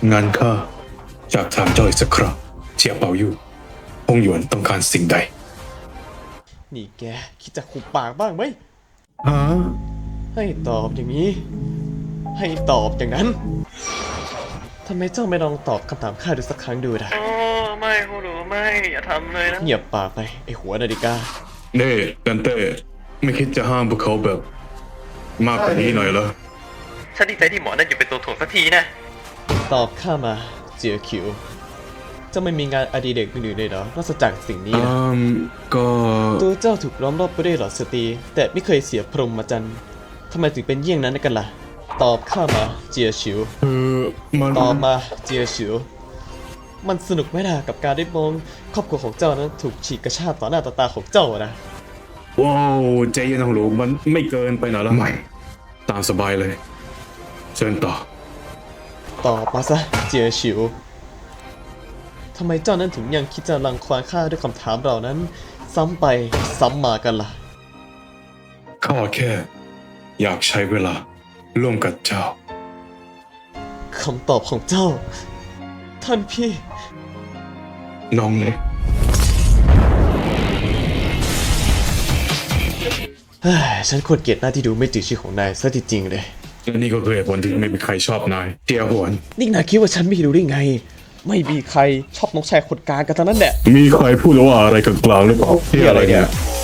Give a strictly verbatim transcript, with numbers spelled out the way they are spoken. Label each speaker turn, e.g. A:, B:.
A: งานข้าจากถามเจ้าอีกสักครั้งเจียเปายู่ฮงหยวนต้องการสิ่งใด
B: นี่แกคิดจะขุบปากบ้างไหม
A: ฮะ
B: ให้ตอบอย่างนี้ ให้ตอบอย่างนั้นทำไมเจ้าไม่ลองตอบคำถามข้าดูสักครั้งดูนะ
C: โอ้ไม่ฮูรูไม่อย่าทำเลยนะ
B: เงียบปากไปไอหัวนาฬิกา
A: เน่ดันเต้ไม่คิดจะห้ามพวกเขาแบบ มากกว่านี้หน่อยเหรอ
C: ฉันดีใจที่หมอนั่นอยู่เป็นตัวถ่วงสักทีนะ
B: ตอบข้ามาเจียคิวจะไม่มีงานอดิเรกอื่นๆเลยเหรอนอกจากสิ่งนี้นะ
A: อืมก็
B: ตัวเจ้าถูกล้อมรอบไปด้วยเหล่าสตรีแต่ไม่เคยเสียพรหมจรรย์ทำไมถึงเป็นเยี่ยงนั้นกันล่ะตอบข้ามาเจียชิว
A: คือมัน
B: ตอบมาเจียชิวมันสนุกไหมล่ะกับการได้มองครอบครัวของเจ้านั้นถูกฉีกกระชากต่อหน้าต่อตาของเจ้านะ
A: ว้าวใจเย็นของหลวงมันไม่เกินไปหน่อยละไม่ตามสบายเลยเชิญต่อ
B: ตอบมาซะเจียชิวทำไมเจ้านั้นถึงยังคิดจะรังควานข้าด้วยคำถามเหล่านั้นซ้ำไปซ้ำมากันล่ะ
A: ข้าแค่อยากใช้เวลาร่วมกับเจ้า
B: คำตอบของเจ้าท่านพี่
A: น้องเล็ก
B: ฉันควรเกลียดหน้าที่ดูไม่จืดชื่อของนายซะจริงๆเลย
A: และนี่ก็คือเหตุผลที่ไม่มีใครชอบนายเจียหวน
B: นี่นายคิดว่าฉันไม่รู้ได้ไงไม่มีใครชอบน้องชายคนกลางกันทั้งนั้นแหละ
A: มีใครพูดว่าอะไรกลางๆหรือเปล่าที่อะไรเนี่ย